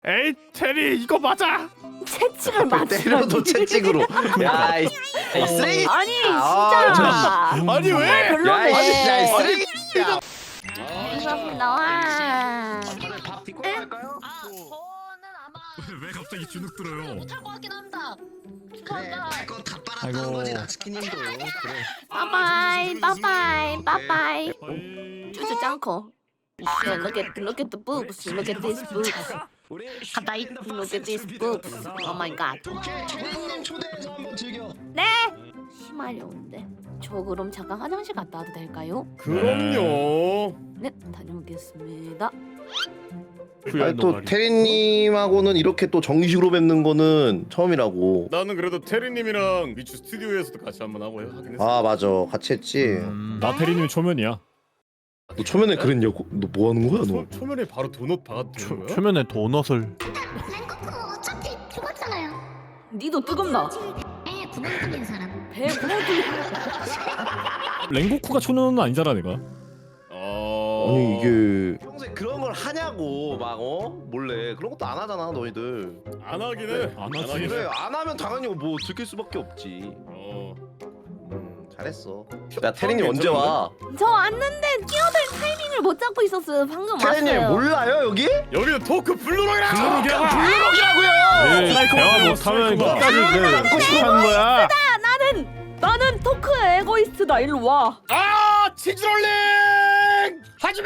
에이 테리 이거 맞아. 채찍을 맞추라니. 때려도 채찍으로. 야, 이 쓰레기. 아니 아, 진짜. 아니 왜? 야, 이 별로네. 쓰레기. 야. 감사합니다. 와. 다들 밥 딛고 갈까요? 저는 아마 왜 갑자기 주눅 들어요? 못할 것 같긴 합니다. 그래, 죄송합니다. 그건 다 빨았다는 거지 나치킨님도. 그래. 빠빠이 빠빠이 빠빠이. 주주 짱커. Look at the boobs. Look at these boobs. 우리 가다이. Look at these boobs. Oh my god. 오케이, 초대님 초대해서 한번 즐겨. 네. 심하려운데. 저 그럼 잠깐 화장실 갔다 와도 될까요? 그럼요. 네, 다녀오겠습니다. 아니 또 테리님하고는 이렇게 또 정식으로 뵙는 거는 처음이라고. 나는 그래도 테리님이랑 미추 스튜디오에서도 같이 한번 하긴 했어. 아 맞아, 같이 했지. 나 테리님이 초면이야. 너 초면에 그랬냐고? 너 뭐 하는 거야 너? 초면에 바로 도넛 박아도 되는 거야? 초면에 도넛을. 랭커크 어차피 죽었잖아요. 니도 뜨겁나? 에 구멍 뚫린 사람. 배 구멍 랭고쿠가 초면은 아니잖아 내가. 아니 이게 평소에 그런 걸 하냐고 막 몰래 그런 것도 안 하잖아 너희들. 안 하긴 해. 안 하지. 하긴 해. 그래 안 하면 당연히 뭐 들킬 수밖에 없지. 잘했어. 야 테리님 언제 와? 저 왔는데 끼어들 타이밍을 못 잡고 있었어요. 방금 테리님 왔어요. 몰라요 여기? 여기는 토크 블루록이라. 블루록이라고요. 대화 못하면 끝까지 갖고 싶어 하는 거야. 나는 토크 에고이스트다. 일로 와. 아 치즈롤링 하지마.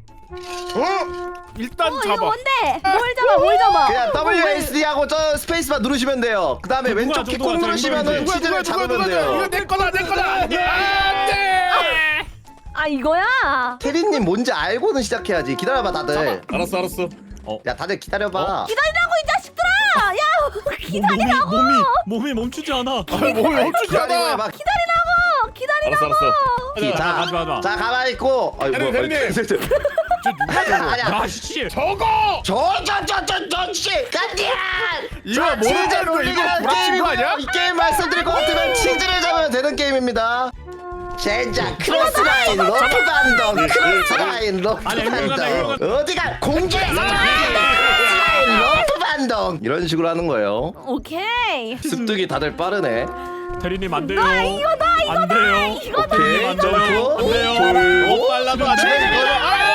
일단 이거 잡아. 뭔데? 뭘 잡아? 뭘 잡아? 그냥 WASD 하고 저 스페이스바 누르시면 돼요. 그 다음에 왼쪽 키 꼭 누르시면은 치즈를 잡으면 돼요. 이거 내 거다 내 거다. 안돼. 아 이거야. 테리님 뭔지 알고는 시작해야지. 기다려봐 다들. 알았어. 야 다들 기다려봐. 기다리라고 이 자식들아. 야 기다리라고. 몸이 멈추지 않아. 뭘 멈추지 기다리고 않아. 해봐. 기다리라고. 알았어. 가자. 자 가만히 있고. 아이고 테리님. 아니야. 야 씨. 저거. 저씨 간디안. 이거 모르는 거 이거 구라친 거 아니야? 이 게임 말씀드릴 것 같으면 치즈를 잡으면 되는 게임입니다. 젠장 크로스라인 러프반동 크로스라인 러프반동 어디가 공중에서 크로스라인 러프반동 이런 식으로 하는 거예요. 오케이. 습득이 다들 빠르네. 테리님 안 돼요. 이거다. 안 돼요. 오케이 안 돼요. 안 점프 돼요. 돌고 빨라도 안 돼.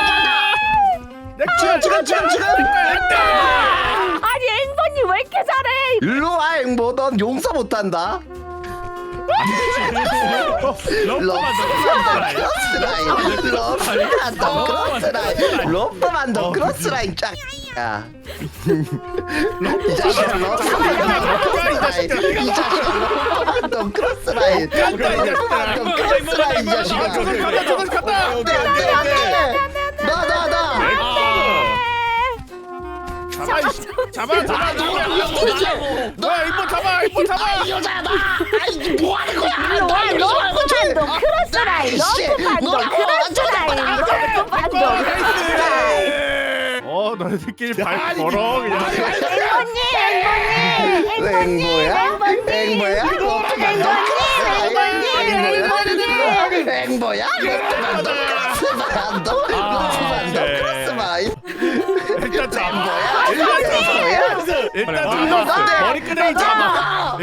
지금 아니 앵번님 왜 이렇게 잘해? 일로 와 앵보 넌 용서 못한다. 러프반동 크로스라인 러프반동 크로스라인 쫙. 야. 이 자식아 러프반동 크로스라인 러프반동 크로스라인 이 자식아. 잡아. 너야 이번 잡아. 뭐 하는 거야? 러프반동 크로스라인. 러프반동 크로스라인. 러프반동 크로스라인. 나 새끼 발 걸어 그냥. 앵보야? 앵보야? 크로스라인. 일단 잡아. 앵보야? 머리끄댕이 잡아.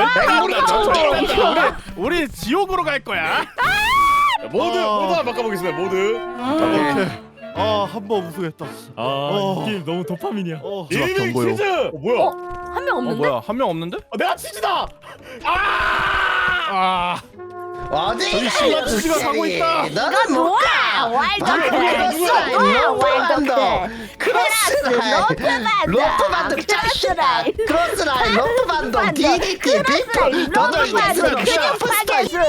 이거다. 우리 지옥으로 갈 거야. 모드 한번 바꿔보겠습니다. 모드. 한번 우승했다. 게임 너무 도파민이야. 이름이 치즈. 뭐야? 한 명 없는데? 한 명 없는데? 내가 치즈다. 어디? 저기 시간 치즈가 가고 있다. 너는 못 가. 러프반동 짜시라. 크로스라인 러프반동 DDT 빅 너도 이제서 슈퍼스타일.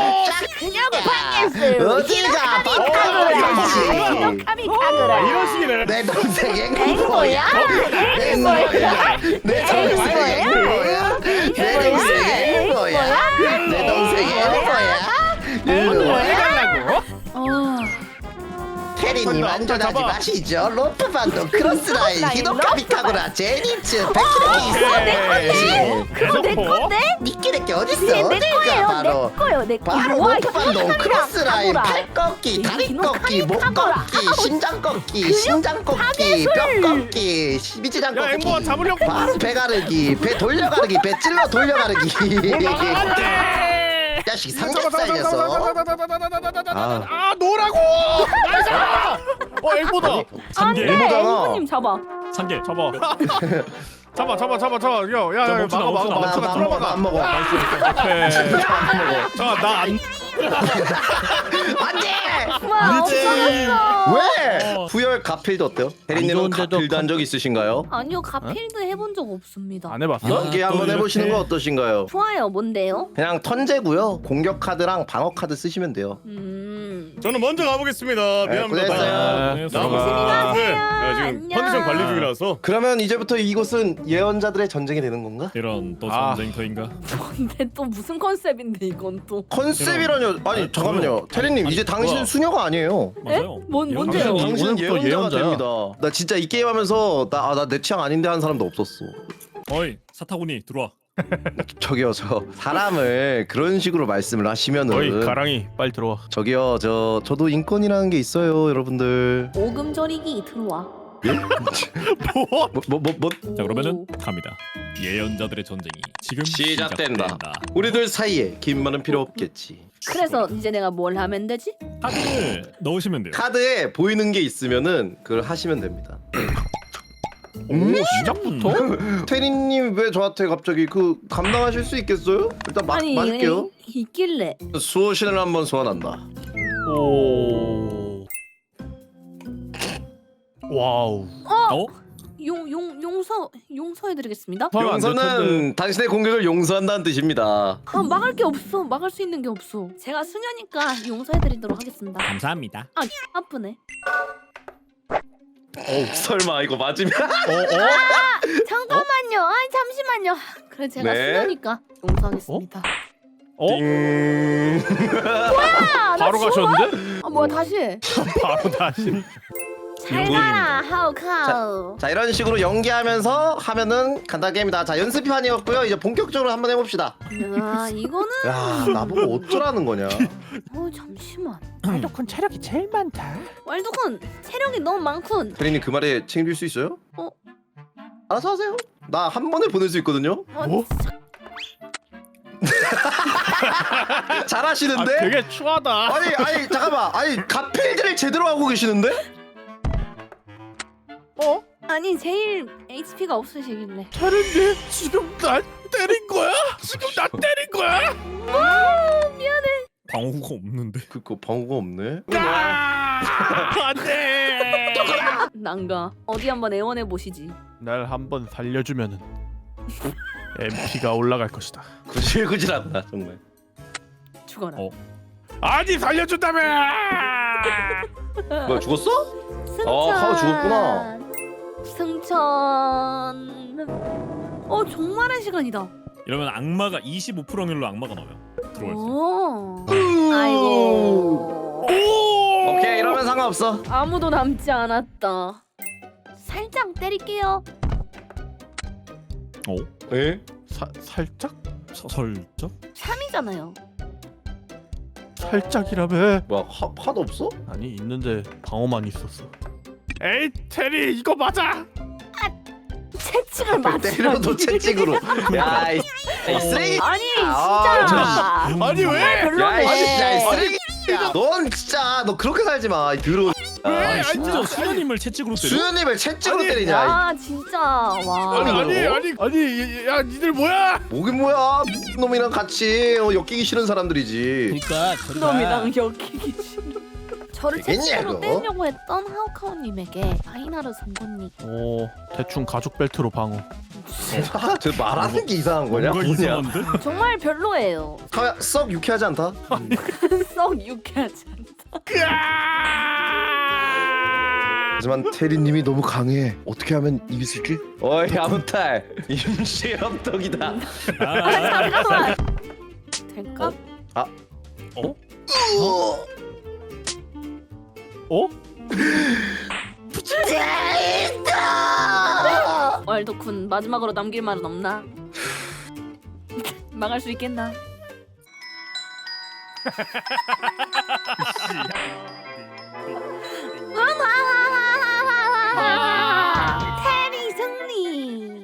어디가 밥값을 이런 식이네. 내 동생 앵보야? 앵보야? 내 동생 앵보야? 내 동생 앵보야? 내 동생 앵보야? 일로 와. 해달라고? 테리님 안전하지 마시죠. 로프 반동 크로스라인 히노카 미카구라 제니츠 백키레키 있어. 그거 내 건데? 니끼레끼 어딨어? 내 어딜까 거예요. 바로. 내 거예요. 내 거. 바로 와, 로프 반동 히노카미랑 크로스라인 카구라. 팔 꺾기 다리 히노카미 꺾기 목 카구라. 꺾기 심장 꺾기 심장 꺾기 뼈 꺾기 미지장 야 앵보가 꺾기 잡으려고. 바로 배 가르기 배 돌려 가르기 배 찔러 돌려 가르기 자식 삼겹살 녀석 아 노라고. 앵보다. 산개. 안돼. 앵무잖아. 앵무님 잡아. 산개 잡아. 잡아. 야야 멈추나, 막아 멈추나. 막아 나 들어막아. 안 먹어 나안 안돼 와 없어졌어. 왜? 부열 가필드 어때요? 대리님은 좋은데도 가필드 한 적 있으신가요? 아니요 가필드 해본 적 없습니다. 안 해봤어? 이번 기회에 한번 또 해보시는 이렇게. 거 어떠신가요? 좋아요. 뭔데요? 그냥 턴제고요 공격 카드랑 방어 카드 쓰시면 돼요 저는 먼저 가보겠습니다. 미안합니다. 고생했어요. 네, 나무 네, 야 지금 안녕. 컨디션 관리 중이라서. 그러면 이제부터 이곳은 예언자들의 전쟁이 되는 건가? 이런 또 아. 전쟁터인가? 근데 또 무슨 컨셉인데 이건 또? 컨셉이라뇨 아니 잠깐만요 테리님 이제 당신 뭐야? 수녀가 아니에요 맞아요. 뭔데요? 당신 당신은 오늘부터 예언자가 예언자야. 됩니다 나 진짜 이 게임 하면서 나 내 취향 아닌데 하는 사람도 없었어 어이 사타구니 들어와. 저기요 저 사람을 그런 식으로 말씀을 하시면은 가랑이 빨리 들어와. 저기요 저도 인권이라는 게 있어요 여러분들 오금저리기 들어와. 뭐 자 그러면은 갑니다. 예언자들의 전쟁이 지금 시작된다. 우리들 사이에 긴 말은 필요 없겠지 그래서 이제 내가 뭘 하면 되지? 카드를 넣으시면 돼요. 카드에 보이는 게 있으면은 그걸 하시면 됩니다 오 시작부터? 테리님 왜 저한테 갑자기 그 감당하실 수 있겠어요? 일단 맞을게요 있길래. 수호신을 한번 소환한다 오. 와우. 어? 용서해드리겠습니다. 용서는 당신의 공격을 용서한다는 뜻입니다 아 막을 게 없어. 막을 수 있는 게 없어. 제가 수녀니까 용서해드리도록 하겠습니다. 감사합니다. 아 아프네. 설마 이거 맞으면 잠깐만요. 아니 잠시만요. 그래 제가 네. 수녀니까 용서하겠습니다. 어? 아, 나 바로 지워? 가셨는데? 아 뭐야 다시 해. 바로 다시. 잘 가라 하우카우. 자 이런 식으로 연기하면서 하면은 간단 게임이다 자 연습판이었고요 이제 본격적으로 한번 해봅시다 야 이거는 야 나보고 어쩌라는 거냐 잠시만. 왈도쿤 체력이 제일 많다. 왈도쿤 체력이 너무 많군. 테리님 그 말에 책임질 수 있어요? 어? 알아서 하세요 나 한 번에 보낼 수 있거든요 뭐? 잘하시는데? 되게 추하다. 아니 잠깐만 아니 가필드를 제대로 하고 계시는데? 아니 제일 HP가 없으시길래. 다른데 지금 날 때린 거야? 지금 나 때린 거야? 미안해. 방어구가 없는데. 그거 방어가 없네 안돼. 난가. 어디 한번 애원해 보시지. 날 한번 살려주면은 MP가 올라갈 것이다. 구질구질하다 정말 죽어라. 어. 아니 살려준다며! 뭐야 죽었어? 승천. 카우 죽었구나. 승천. 종말의 시간이다. 이러면 악마가 25% 확률로 악마가 나와요. 들어올 수. 오. 아이고. 오케이 이러면 상관없어 아무도 남지 않았다. 살짝 때릴게요. 어? 에? 살짝? 설정? 3이잖아요. 살짝이라며? 뭐야 카드 없어? 아니 있는데 방어만 있었어. 에이 테리 이거 맞아! 채찍을 맞추. 때려도 채찍으로 야이 쓰레기 아니 아, 진짜. 아니 왜? 별로네. 야이 쓰레기야 넌 진짜 너 그렇게 살지마 더러운 아니 심지어 수녀님을 채찍으로 때려? 수현님을 채찍으로 아니, 때리냐 아 진짜 와. 아니 야 니들 뭐야? 뭐긴 뭐야 놈이랑 같이 엮이기 싫은 사람들이지 그러니까 놈이랑 엮이기 싫어. 저를 채찍으로 되겠냐고? 때리려고 했던 하우카우님에게 아이나르 선고님. 오 대충 가죽 벨트로 방어. 저 말하는 게 이상한 거냐? 뭔가 뭐냐 이상한데? 정말 별로예요. 카야 썩 유쾌하지 않다? 썩 유쾌하지 않다. 하지만 테리님이 너무 강해 어떻게 하면 이길 수 있지? 어이 아무탈 임시협덕이다 잠깐만. 될까? 어? 어? 재밌다. 왈도쿤 마지막으로 남길 말은 없나? 망할 수 있겠나? 테리 승리.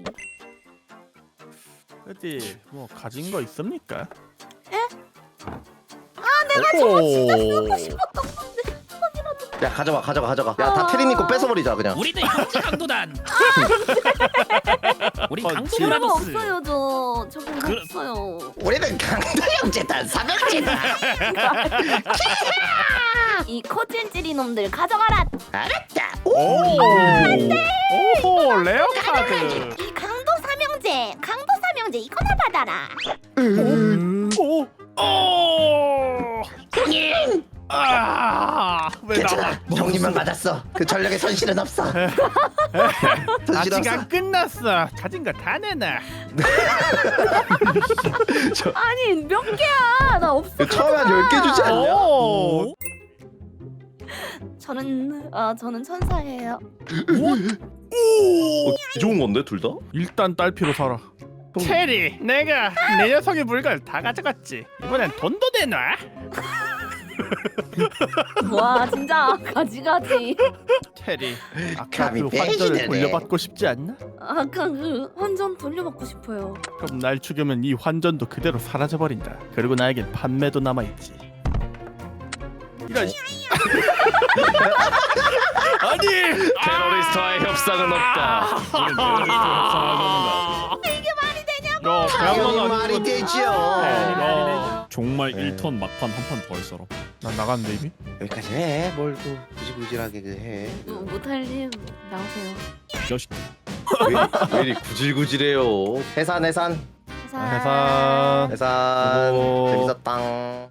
그치 뭐 가진 거 있습니까? 내가 저거 진짜 쓰고 싶었던 건데. 야 가져가. 야 다 테리니 거 뺏어버리자 그냥. 우리도 형제 강도단. 우리 어, 강도 그런 거 브라더스. 없어요 저건 그럼- 없어요. 우리는 강도형제단 삼형제다. 이 코찔찔이 놈들 가져가라. 알았다. 오 오호 레어 카드 이 강도 삼형제 이거나 받아라. 오 아왜 괜찮아. 나와 형님만 맞았어. 그 전력에 손실은 없어. 손실 아직 없어. 안 끝났어 가진 거 다 내놔 아니 몇 개야? 나 없어. 처음에 한 10개 주지 않냐? 오 저는 천사예요. 좋은 건데 둘 다? 일단 딸피로 살아 체리 내가 내 녀석의 물건 다 가져갔지 이번엔 돈도 내놔 와 진짜 가지가지. 체리 아까 감히 그 배신을 환전을 해. 돌려받고 싶지 않나? 아까 그 환전 돌려받고 싶어요. 그럼 날 죽이면 이 환전도 그대로 사라져버린다 그리고 나에겐 판매도 남아있지 이런 아니 테러리스트와의 협상은 없다. 우린 테러리스트와 협상하지 않는다. 야 당연히 말이 되죠. 야, 정말 네. 1턴 막판 한 판 더 할 사람. 난 나갔는데 이미? 여기까지 해. 뭘 또 구질구질하게 해. 못할님 나오세요. 이 자식. 왜 이리 구질구질해요. 해산. 해산 수고. 재밌었당.